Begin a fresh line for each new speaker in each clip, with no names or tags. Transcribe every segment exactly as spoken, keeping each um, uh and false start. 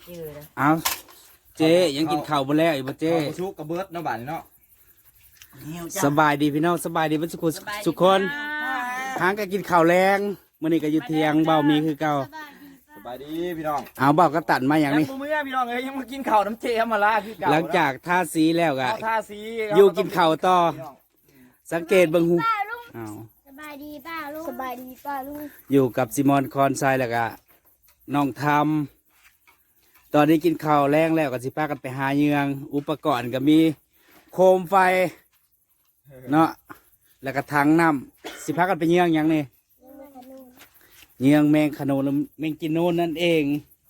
จืดเลย
เอาเจ๊ยังกินข้าวบ่แล้วอีบ่เจ๊
ชุกกระเบิดเนาะบ้านเนาะ
สบายดีพี่น้องสบายดีเพิ่นสุขสุขคนหางก็กินข้าวแรงมื้อนี้ก็อยู่เที่ยงเบ้ามีคือเก่า
สบายดีพี่น้อง
เอาเบ้าก็ตัดมาอย่างนี้
ยังบ่เมื่อพี่น้องเอ้ยยังมากินข้าวน้ำเจมาละคือเก่า
หลังจากทาสีแล้วก็
เอาท่าสี
อยู่กินข้าวต่อ สังเกตเบิ่งหูเอา
สบายดีป้าลุงสบายดีป้าลุง
อยู่กับซิมอนคอนไซแล้วก็น้องทำตอนนี้กินข้าวแรงแล้วก็สิพากันไปหาเยือง อุปกรณ์ก็มีโคมไฟเนาะแล้วก็ถังน้ำสิพากันไปเยืองหยังนี่เยืองแมงขนุนและแมงกินนูนนั่นเอง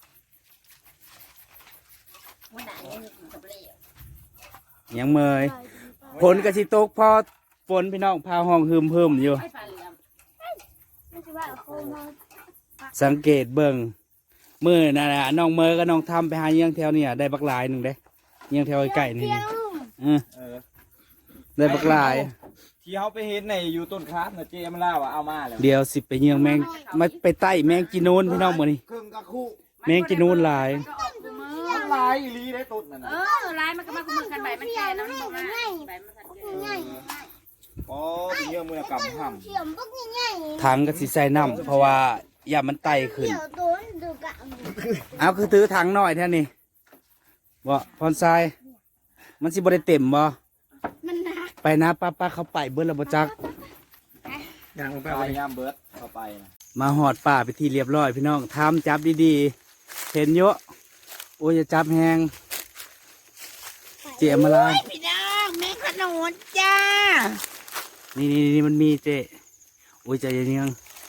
ยังเมยฝนก็สิตกพอฝนพี่น้องพาห้องหืมเพิ่มอยู่
ไม่ใช่ว่าโคมา
สังเกตเบิ่งมือน่ะนะน้องเมย์ก็น้องทำไปหาเยืองแถวเนี่ยได้บักหลายหนึ่งเด้เยืองแถวไก่นี่เออ
เออ
ได้บักหลาย
ที่เขาไปเห็นในอยู่ต้นคาสนะเจมาล่าว่าเอามาแล้ว
เดี๋ยวสิไปเยืองแมงมาไปไต่แมงกินนูนพี่น้องมื้อนี้
ครึ่งกะคู่
แมงกินนูนหลาย
มันลายอีหลีได้ต้นนั่น
เอ
น่ะ
อลายมันก็มาคุมกันใบมันแก่แล้วมันบอกว่าใบมันสันเก
ง่าย
อ๋อเป็นเยื่อมือกำห่ำ
เขียมพวกง่าย
ถังก็สิใส่น้ำเพราะว่าอย่ามันไต่ขึ้น
เขียวโดนดูกะ
เอาคือถือถังหน่อยแท่นี้บ่พรทรายมันสิบ่ได้เต็มบ่
มันหนัก
ไปนะป้าป้าเขาไปเบิดแล้วบ่จัก
ยางลงไปยามเบิร์ดเข้าไปนะ
มาหอดป่าไปที่เรียบร้อยพี่น้องทำจับดีๆเห็นเยอะโอ้ยจะจับแหงเจียมาลาย
พี่น้องแม่ขนุนจ้า
นี่นี่นี่มันมีเจโอ้ยใจเย็นยัง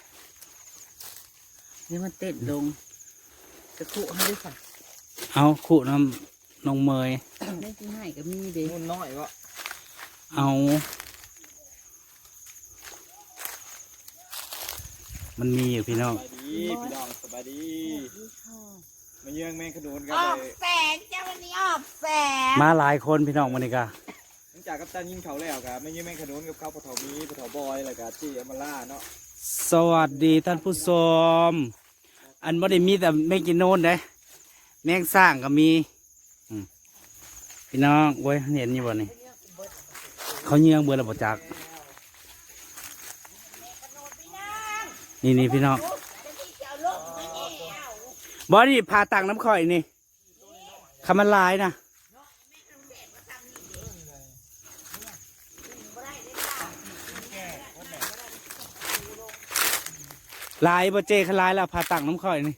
นี่มันเต้นลงจะคุให้ด้วยค่ะ
เอาขู่น้ำน้องเมย
ไม่ที่ให้ก็มีเด้
นุ่นน้อยวะ
เอามันมีอยู่พี่น้อง
สบายดีพี่น้องสบายดีมาเยื่องแมงขนุนกัน
ออก
เลย
แสงจ้าวันนี้ออกแสง
มาหลายคนพี่น้องวันนี้กะ
หลังจากกัปตันยิงเขาแล้วครับมาเยื่องแมงขนุนกับเขาปะเถามีปะเถาบอยแล้วก็เจมาล่าเนาะ
สวัสดีท่านผู้ชมอันบ่ได้มีแต่แมงกินโนนเด้แมงสร้างก็มีอืมพี่น้องโว้ยเห็นอยู่บ่นี่เขาเยืองเบื่อแล้วบ่จักนี่นี่พี่น้องบอนี่พาตังน้ำข่อยนี่คำมันลายนะลายบ่เจขลายแล้วพาตังน้ำข่อยนี่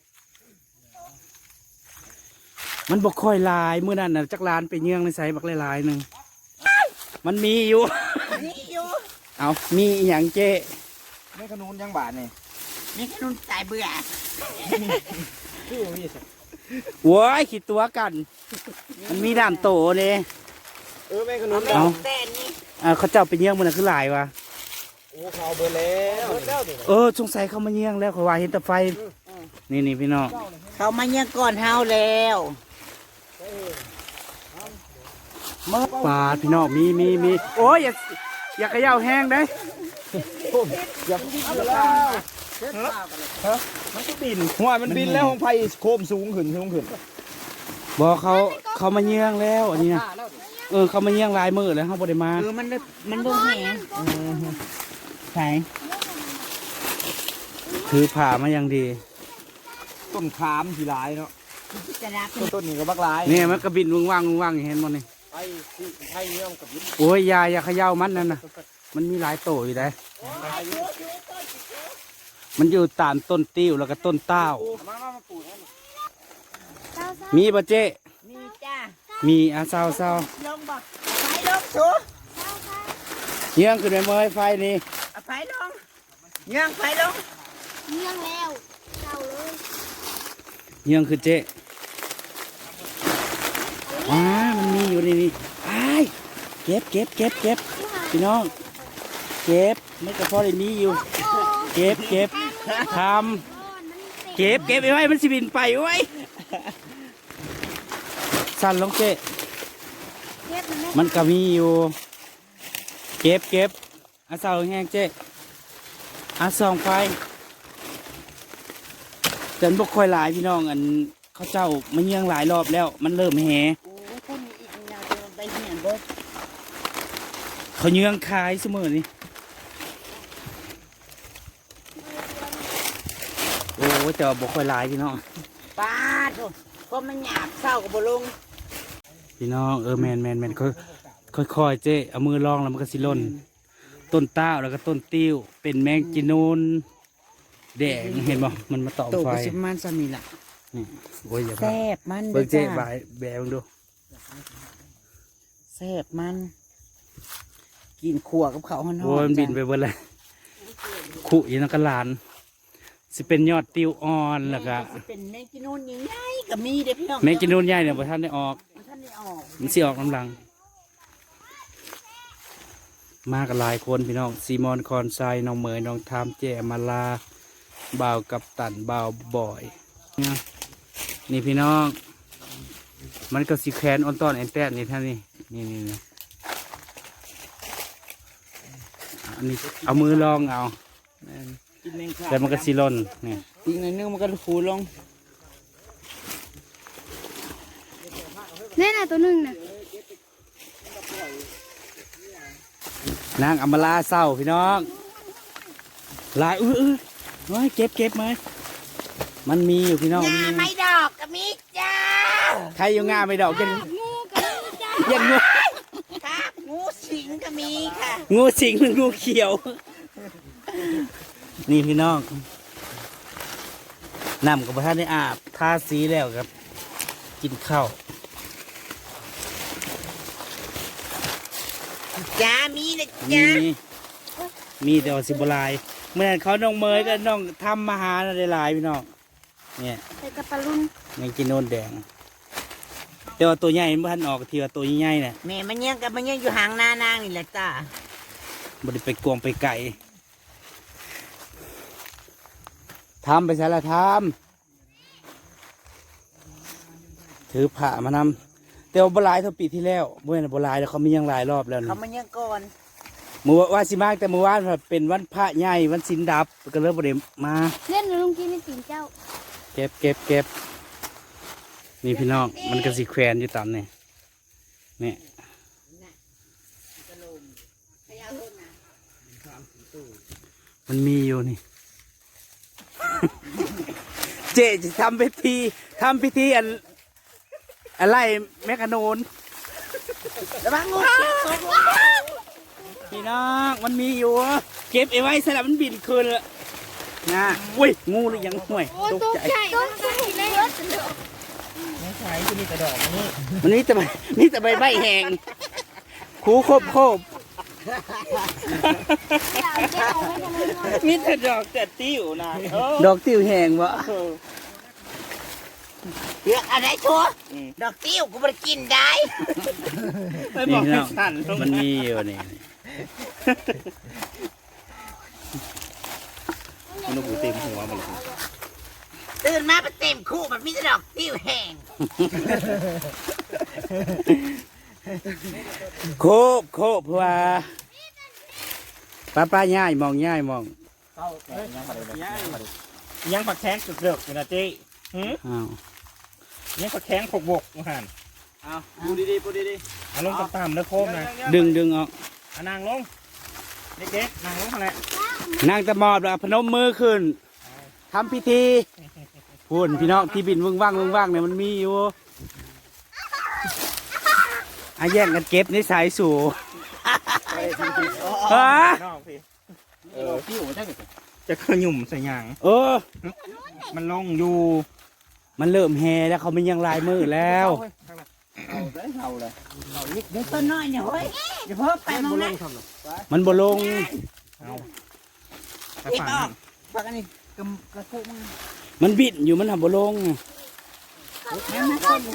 มันบอกค่อยลายเมื่อนั้นน่ะจักลานไปเยื่องในใส่บักลายๆหนึ่งมันมีอยู่
นี่อยู่
เอามีอหย่างเจ
แมงขนุนยังบาดนี่
แม่ขนุนตายเบื่อ
ชื่อมีสัก
โว้ยขีดตัวกัน มันมีด่านโตเนี่ย
เออแมงขนุน
เอา
แต่นี่
อ่าเขาเจ้าไปเยี่ยงมันน่ะคือหลายวะ
โอ้เขาเอาเบอร์แล้วเบอร์แล้วนี่
เออสงสัยเขามาเยี่ยงแล้วเขาว่าเห็นแต่ไฟ นี่นี่พี่น้อง
เขามายังก่อนเฮาแล้ว
ปลาดพี่น้องมีมีมีโอ้ยอย่าอย่าเขย่าแห้งได้
อย่าเพิ่งเอาแล้วฮะมันก็บินหัวมันบินแล้วของไผ่โคมสูงขึ้นสูงขึ้น
บอกเขาเขามาเยี่ยงแล้วอันนี้นะเออเขามาเยี่ยงลายมือแล้วเขาบไดมา
เออมันมันบ่แห้ง
ใช่ถือผ่ามาอย่างดี
ต้นขามสีลายเนาะ
จะรับ
ต้นต้นนี้ก็บักลาย
เนี่ยมันกระบินวงว่างวงว่างเห็นมันนี่
ไผ่ที่ไผ่เนี่ยมันกับยิบ
โอ้ยอยาอย่าเขย่ามันนั่นนะมันมีหลายโตอยู่ได้มันอยู่ตามต้นติ้วแล้วก็ต้นเต้า
มามามาปลูกให้มัน
มีปะเจ๊
มีจ้า
มีอาเศร้าเศร้า
ลงบ่ไฟลงสู
เยี่ยงขึ้นไปเมื่อยไฟนี่
ไฟลงย่างไฟลง
เลี้ยงแล้วเจ้าเลย
เยี่ยงขึ้นเจ๊ว้ามันมีอยู่นี่นี่ไอ้ายเก็บเก็บเก็บเก็บพี่น้องเก็บไม่กระเพาะเลยมีอยู่ เก็บเก็บทำเก็บเก็บไว้มันสิบินไปไว้ยสั่นลงเจ๊
เก็บมันไม่
มันก็มีอยู่ เก็บเก็บอาเศร้าแห้งเจ๊อาส่องไฟจนบกค่อยหลายพี่น้องอันเขาเจ้ามาเยี่ยงหลายรอบแล้ว มันเริ่มแห
โอ้คนนี้อีกยาวจะไปเหี่ยนเบิด
เขาเยี่ยงขายเสมอนี่โอ้แต่ว่าบ่ค่อยหลายพี่น้อง
ป้าโถก็มันหยาบเศร้ากับบ่ลง
พี่น้องเออแมนแมนแมนค่อยค่อยๆเจ๊เอามือลองแล้วมันก็สิล่นต้นต้าวแล้วก็ต้นติ้วเป็นแมงจีนูนแดงเห็นบ่มันมาตอม
โต
ไฟ
ก็สิมันซะนี่ล่ะ
นี่โอ้ยอย่าพลา
แซ่
ด
บมัน
เบิ่งเจ๊
จ้า
บายแบงดู
แซ่บมัน กินขั่วกับเขาวฮ้อนๆ
โอ้ยมันบินไปเบิดเลยขู่อีนักกะหลานสิเป็นยอดติ้วอ่อนแล้วก็
สิเป็นแมงกินนูนใหญ่ๆก็มีเด้อพี่น้อง
แมงจีนูนใหญ่เนี่ยบ่ทันได้ออก
มันท่านได้ออก
มันสิออกกำลัง มากันหลายคนพี่น้องซีมอนคอนไซน้องเหมยน้องทามแจมาลาบ่าวกับตันบ่าวบ่อยเนี่ยนี่พี่น้อง มันก็สีแคนออนตอนแอนแตนนี่ท่านนี่นี่นี่นี่อันนี้เอามือลองเอา
กินแมงคา
แล้วมันก็สีล่นนี่
อีกหน่อยนึงมันก็ฟูลง
แน่น่ะตัวหนึงน่ะ
นางอำมาลาเศร้าพี่น้องลายอื้ออื้อน้อยเก็บเก็บไหมมันมีอยู่พี่น้อง
งาไม่ดอกก็มีจ้า
ใครอยู่งาไม่ดอกยัน
งูกับงูจ้า
ยันงู
ค่ะงูสิงก็มีค่ะ
งูสิงหรืองูเขียว นี่พี่น้องน้ำกับพระท่านได้อาบทาสีแล้วครับ กินข้าว
จ้ามีนะ
มี
จ้า
มีแต่ว่าสิบหลายเมื่อนั้นเขาน้องเมยก็น้องทำมาหาได้หลายพี่น้องเนี่ย
ใส่กระปะลุน
ยังกินโนนแดง แต่ว่าตัวใหญ่มันบ่ทันออกทีว่าตัวใหญ่ๆเนี่ย
แม่มันยังกับมันยังอยู่ห่างหน้านางนี่แหละจ้า
บไดไปกวงไปไก่ทำไปใส่ละทำถือผ้ามานำแต่ว่าบหลายเท่าปีที่แล้วเมื่อนั้นบหลายแล้วเขามียังหลายรอบแล้ว
เขา
นะ
มันยังก่อน
เมื่อว่าสิมากแต่เมื่อวานเป็นวันพระใหญ่วันสินดับก็เลยบไดมา
เล่นลุงกินในสิงเจ้า
เก็บเก็บเก็บนี่พี่น้องมันก็สิแขวนอยู่ตามนี่นี่มันมีอยู่นี่ เจ๊จะทำพิธีทำพิธีอันอะไรแมกกาโนน
ระวังงูเขียวตกลง
พี่น้องมันมีอยู่ เก็บเอาไว้สลับมันบินคืนละนะอุ้ยงูหรือยังห่วยตกใจ
ต้นใส่เลย
ไม่ใช่ที่มีกระดอกนี่
มันนี่แต่ใบนี่แต่ใบใบแห้งคูโคบโคบ
มีแต่ดอกแต่ติ้วนะ
ดอกติ้วแห้งวะ
เลือกอะไรชัวดอกติ้วกูไม่กินได้
ไม่บอกให้สั่นลง
มันมีอยู่นี่
มันหูเต็มหัวมันเลย
ตื่นมาเป็นเต็มคู่มันมีแต่ดอกติ้วแห้ง
โคบโคบเพราะว่าป้าป้าย่ายมองย่ายมอง
ยังผักแข้งสุดเดือดอยู่นะเจ๊หืม
อ้าว
ยังผักแข้งผกบกมาหัน
เอาพูดดีๆพูดดี
เอาลงต่ำๆแล้วโคมนะ
ดึงดึงออก
เอานางลงเด็กๆนางลงอะไร
นางตะมอบแล้วพนมมือขึ้นทำพิธีพูนพี่น้องที่บินวึ่งว่างวึ่งว่างเนี่ยมันมีอยู่อาแย่งกันเก็บในสายสู่ฮะ
นอกพี่
ๆเออพี่โอ้ได้
จะขยุ่มใส่หยาง
เออ
มันลงอยู่
มันเริ่มแห่แล้วเขาไม่ยังลายมือแล้ว
เอาได้เอาเลย
เดี๋ยวต้นน้อยเนี่ยเฮ้ยเดี๋ยวเพิ่มไปมองนะ
มันบ่ลง
เอาไป
รีบ
ฝัง
ออกฟังอันนี้กระกระคุกมึง
มันบิดอยู่มันทำบ่ลง
แม่มาต้น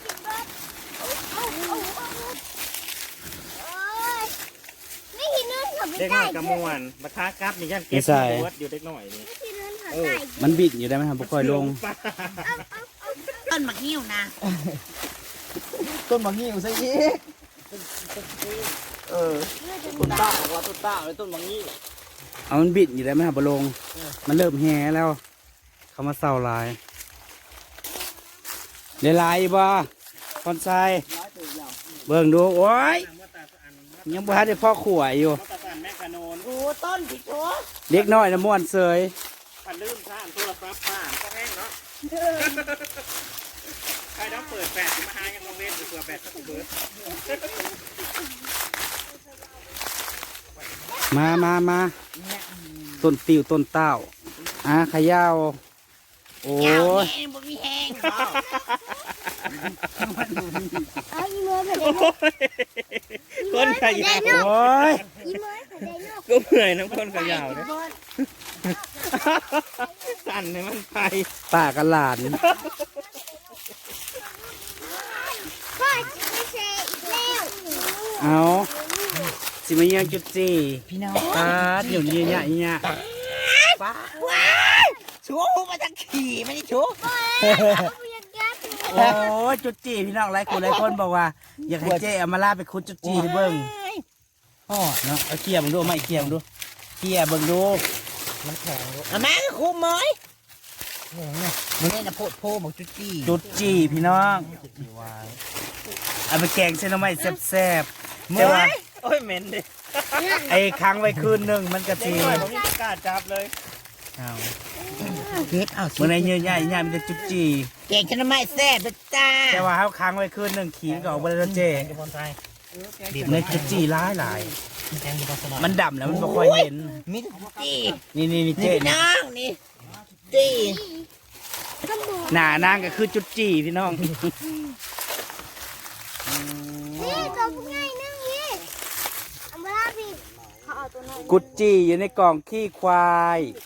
นี่ที่นึงเขาไม่
เด็กห
ได้
น่อยกระมวลบัคากับนี่ยันเก็บหัวอยู่เด็กหน่อยนี่
ที่นึงเขา
เออ
ได้
มันบิดอยู่ได้ไหมครับบ่ค่อยลง
ต้นมะงิ้วนะ
ต้นมะงิ้วใส่อีกเออต้นต้าบอกว่าต้นต้าเลยต้นมะงิ้ว
เอามันบิดอยู่ได้ไหมครับบ่ลง มันเริ่มแห่แล้ว เขามาเศร้าหลายได้หลายบ่คอนไซเบิ่งดูโอ้ยยังบ่ทันได้พ่อขวายอยู่
ตะสันแม่ขนน
โอ้ต้นพี่โจ้
เล็กน้อยนะม่วนเสย
พันลืมท่านโทรศัพท์ป้าก็แห้งเนาะใครต้องเปิดแปดมาหายังลงเล่นเผื่อแปดสักเบิร์ด
มามามาต้นติวต้นเต้าอ่ะขยาวโอ้ย
บ่มีแห้ง
เอาอีเมย์ไปได้
คนขยาว
โอ้ย
อีเมย์ไปได้เนาะ
ก็เมื่อยน้ำคนขยาวเนี่ยสั่นเนี่ยมันไป
ป้ากับหลาน
พ่อจะไปเซอีกแล้ว
เอาสิมาเยี่ยงจุดจี
พี่น้อง
ตาเดี๋ยวนี้เนี่ยเนี่ย
ป้าว้ายชูมาทั้งขี่ไม่ได้ชู
เอาอยากยัด
โอ้ยจุดจีพี่น้องหลายคนหลายคนบอกว่า อยากให้เจ๊เอามาลาไปคุดจุดจีให้เบิ่งพ่อเนาะเอาเกี่ยมงดูไม่เกี่ยมงดูเกี่ยเบิ่งดู
มันแข็งอ่ะแม่ก็คุมไหมมึงนี่นะโพดโพบอกจุดจี้
จุดจีพี่น้องเอาไปแกงเส้นหน่อไม้แซ่บๆแต่ว่า
โอ้ยเหม็นดิ
ไอ้ค้างไว้คืนหนึงมันก็
จริ
สิ
งเลยผมไม่กล้าจับเลย
เอา
เฮ็ดเอา
เมื่อไหร่เยอะใหญ่ใหญ่มันจะจุดจี
เก่งชนะไม่แซ่บจ้า
แต่ว่าเขาค้างไว้คืนหนึงขี้ก็ออกมาแล้วเจ๊
จะพอนไทย
บีบในจุดจีหลายหลาย
แกงจะพอนสนอ
มันดำแล้วมันไม่ค่อยเห็น
มิตรจี้
นี่นี่นี่
นี่
เจ๊
พี่
นี่
น้องนี่จี้
หน้านางก็คือจุดจีพี่น้อง
นี่ตัวพวกง่ายนึงนี่เอามาลาพี่เขาเอาตัวน้อย
กุดจีอยู่ในกล่องขี้ควาย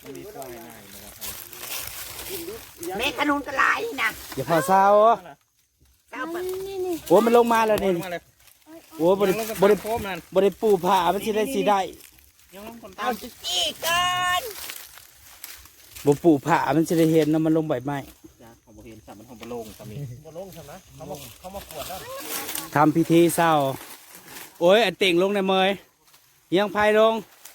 แม่ขนุนกระไรนะ
อย่าพอเศร้า
เก้าปัน
นี่นี่
โอ้มันลงมาแล้วนี่
มาเลย
โอ้บริ
ยังลงกับบ
ริ
โคมนั่น
บริปูผ่ามันสิได้สีได้
ยังลงคน
เอา
ตาม
จุดจี้ก่อน
บปูผ่ามันสิได้เห็นนะมันลงใบไม้
ของบเห็นสัมมันของบโลงสามีบโลงใช่ไหมเขามาเขามาขวดแล้ว
ทำพิธีเศร้า โอ้ยอันเต่งลงในเมยยังพายลง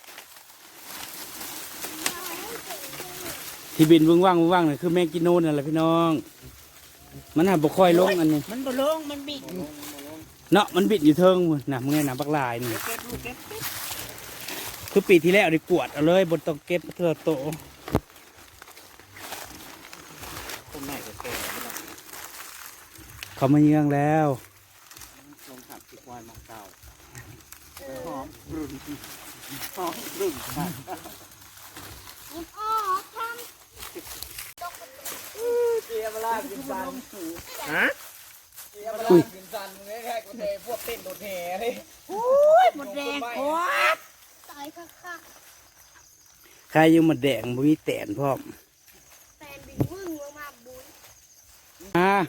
ที่บินวึ่งว่างวึ่งว่างนี่คือแมงกินนูนนั่นแหละพี่น้อง มันหาบ่ค่อยลงอันนี้
มันบลงมันบิด
เนาะมันบิดอยู่เทิงพุ่นน่ะมึงไงน่ะบักลายนี่
เก็บลูกเก็บ
คือปีที่แล้วได้กวดเอาเลยบนต้องเก็บเถื่อโต
คนไหนก็แก่
เขามาเยืองแล้ว
ลงขับติดควายมาเก่าหอมรุ่นหอมรุ่น
ยิบออกท
เจียบลากินซัน
ฮะ
เจียบลากินซันมึงแค่กูเทพวกเต้นโดดแห่เลย
ำอุ้ยหมดแรงโคตรตายคัก
ใครอยังมาแดงบ่มีแตนพร้อม
ๆแฟนบินวึ่งลงมาบุญ
อ่า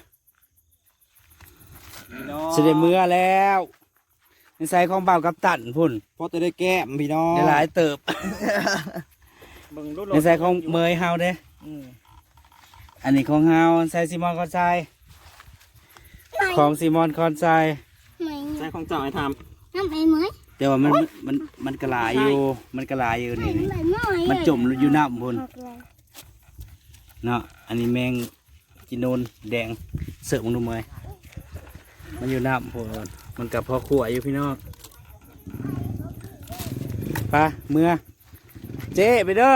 เสด็จเมื่อแล้วในใส่ของเบากับตันพุ่น
พอจะได้แก้มพี่น้อง
ได้หลายเติบ
เบิ่งรูป
ในใส่ของเมยเฮาเด้อันนี้ของเฮาใส่ซีมอนคอนไซของซีมอนคอนไซ
ไม่
ใช้ของเจ้าให้ท
น้ำไอ้เหมย
แต่ว่ามันมันมันกระลายอยู่ มันกระลายอยู่นี่นี่
ไอ้เหมย
มันจมอยู่น้ำพุ่นเนาะอันนี้แมงกินนูนแดงเสิร์ฟมึงดูเมยมันอยู่น้ำพุ่นมันกับพ่อขั่วอยู่พี่น้องไปเมื่อเจ๊ไปเด้อ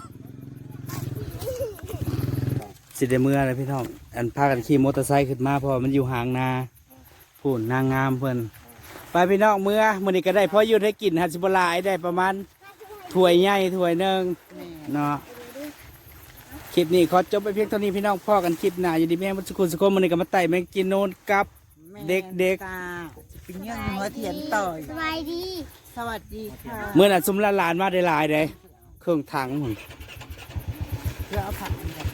สิได้เมื่อเลยพี่น้องอันพากันขี่มอเตอร์ไซค์ขึ้นมาเพราะว่ามันอยู่ห่างนาพูนนางงามเพิ่นไปพี่น้องเมื่อมื้อนี้ก็ได้พออยู่ได้กินฮัสิบหลายได้ประมาณถ้วยใหญ่ถ้วยหนึ่งเนาะคลิปนี้ขอจบไปเพียงเท่านี้พี่น้องพ่อกันคลิปหน้าอยู่ดีแม่งมันสุขุนสุขมื้อนี้ก็มาไต่แมงกินโนนกับเด็ก
เป็นยังหัวเทียนต่อย
สบายดี
สวัสดีค่ะ
ๆเมื่อน่ะซุมละลานมาได้หลายเด้เครื่องถังพุ่น
เพื่อเอาผัก